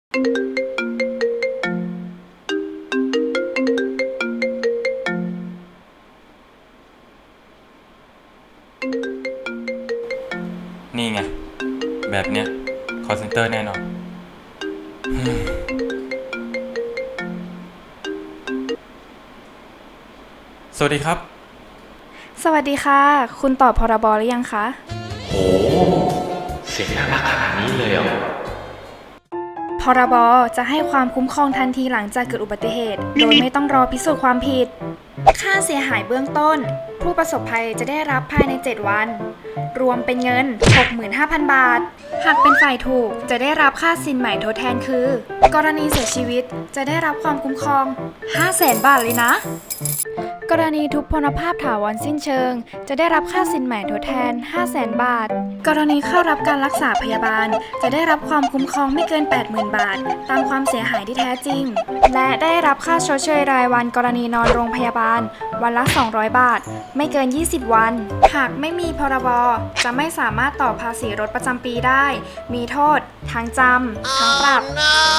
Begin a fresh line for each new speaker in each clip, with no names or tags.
นี่ไงแบบเนี้ย call center แน่นอนสวัสดีครับ
สวัสดีค่ะคุณตอบพรบหรือยังคะ
โหเสียงน่ารักขนาดนี้เลยเหรอ
พรบจะให้ความคุ้มครองทันทีหลังจากเกิดอุบัติเหตุโดยไม่ต้องรอพิสูจน์ความผิดค่าเสียหายเบื้องต้นผู้ประสบภัยจะได้รับภายใน7วันรวมเป็นเงิน 65,000 บาทหากเป็นฝ่ายถูกจะได้รับค่าสินใหม่ทดแทนคือกรณีเสียชีวิตจะได้รับความคุ้มครอง 500,000 บาทเลยนะกรณีทุพพลภาพถาวรสิ้นเชิงจะได้รับค่าสินใหม่ทดแทน 500,000 บาทกรณีเข้ารับการรักษาพยาบาลจะได้รับความคุ้มครองไม่เกิน 80,000 บาทตามความเสียหายที่แท้จริงและได้รับค่าชดเชยรายวันกรณีนอนโรงพยาบาลวันละ200 บาทไม่เกิน20วันหากไม่มีพรบจะไม่สามารถต่อภาษีรถประจำปีได้มีโทษทั้งจำทั้งปรับ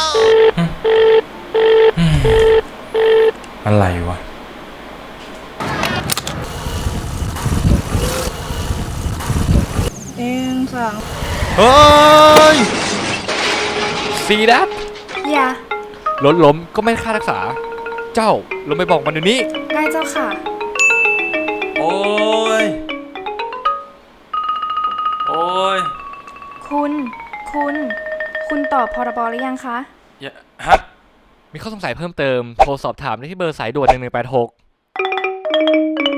อะไรวะ
เฮ้ยซีดับ
อย่าร
ถล้มก็ไม่ค่ารักษา เจ้าลงไปบอกมันเดี๋ยวนี้
ได้เจ้าค่ะ
โอ้ยโอ้ย
คุณตอบพรบหรือยังคะ
ฮะ
มีข้อสงสัยเพิ่มเติมโทรสอบถามได้ที่เบอร์สายด่วน1186